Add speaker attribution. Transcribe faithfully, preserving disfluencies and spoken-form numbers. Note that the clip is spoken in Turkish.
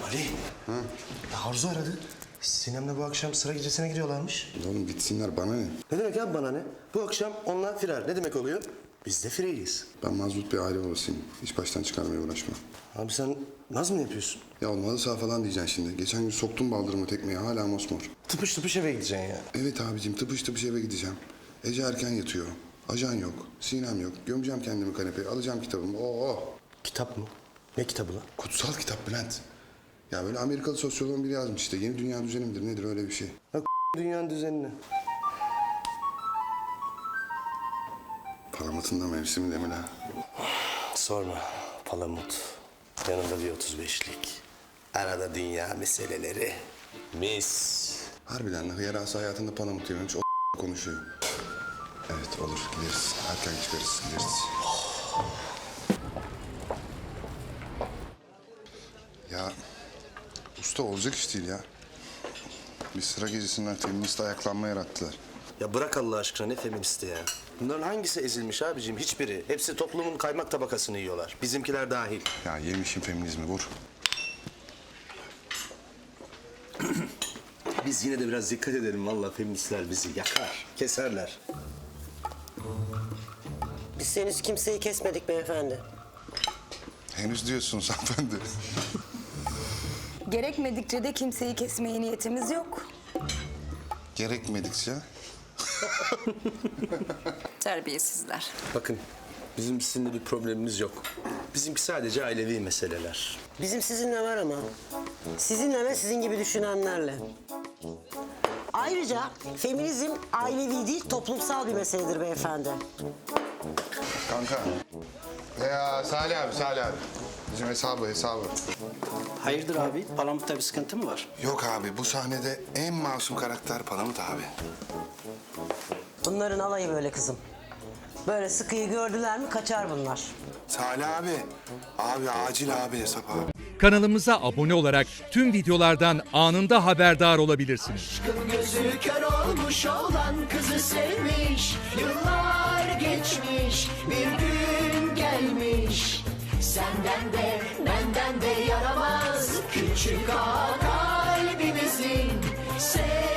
Speaker 1: Ali.
Speaker 2: Ha?
Speaker 1: Ya Arzu aradı. Sinem'le bu akşam sıra gecesine gidiyorlarmış.
Speaker 2: Oğlum gitsinler bana ne?
Speaker 1: Ne demek abi bana ne? Bu akşam onlar firar. Ne demek oluyor? Biz de fireyiz.
Speaker 2: Ben mazbut bir aile babasıyım. Hiç baştan çıkarmaya uğraşma.
Speaker 1: Abi sen naz mı yapıyorsun?
Speaker 2: Ya olmadı sağ falan diyeceksin şimdi. Geçen gün soktum baldırımı tekmeye hala mosmor.
Speaker 1: Tıpış tıpış eve gideceksin ya.
Speaker 2: Evet abicim tıpış tıpış eve gideceğim. Ece erken yatıyor. Ajan yok. Sinem yok. Gömeceğim kendimi kanepeye. Alacağım kitabımı. Oo.
Speaker 1: Kitap mı? Ne kitabı lan?
Speaker 2: Kutsal kitap Bülent. Ya böyle Amerikalı sosyoloğun biri yazmış işte. Yeni dünya düzeni midir nedir öyle bir şey.
Speaker 1: Bak dünyanın düzenini.
Speaker 2: Palamatın da mevsimi demin ha.
Speaker 1: Sorma. Palamut. Yanında bir otuz beşlik. Arada dünya meseleleri. Mis.
Speaker 2: Harbiden de hıyarası hayatında palamut yememiş. O konuşuyor. Evet olur gideriz. Erken çıkarız gideriz. Ya usta olacak iş değil ya. Bir sıra gecesinden feminist ayaklanma yarattılar.
Speaker 1: Ya bırak Allah aşkına ne feministi ya. Bunların hangisi ezilmiş abicim? Hiçbiri. Hepsi toplumun kaymak tabakasını yiyorlar. Bizimkiler dahil.
Speaker 2: Ya yemişim feminizmi vur.
Speaker 1: Biz yine de biraz dikkat edelim. Vallahi feministler bizi yakar, keserler.
Speaker 3: Biz henüz kimseyi kesmedik beyefendi.
Speaker 2: Henüz diyorsunuz hanımefendi.
Speaker 4: Gerekmedikçe de kimseyi kesmeye niyetimiz yok.
Speaker 2: Gerekmedikçe.
Speaker 4: Terbiyesizler.
Speaker 1: Bakın, bizim sizinle bir problemimiz yok. Bizimki sadece ailevi meseleler.
Speaker 3: Bizim sizinle var ama. Sizinle ve sizin gibi düşünenlerle. Ayrıca feminizm ailevi değil toplumsal bir meseledir beyefendi.
Speaker 2: Kanka. Ya Salih abi Salih abi. Bizim hesabı hesabı.
Speaker 5: Hayırdır abi? Palamut'ta bir sıkıntı mı var?
Speaker 2: Yok abi bu sahnede en masum karakter Palamut abi.
Speaker 3: Bunların alayı böyle kızım. Böyle sıkıyı gördüler mi kaçar bunlar.
Speaker 2: Salih abi. Abi acil abi hesap abi.
Speaker 6: Kanalımıza abone olarak tüm videolardan anında haberdar olabilirsiniz.
Speaker 7: Aşkın gözü kör olmuş olan kızı sevmiş. Yıllar geçmiş bir gün gelmiş. Senden de benden de yaramaz küçük ağa kalbimizin. Sev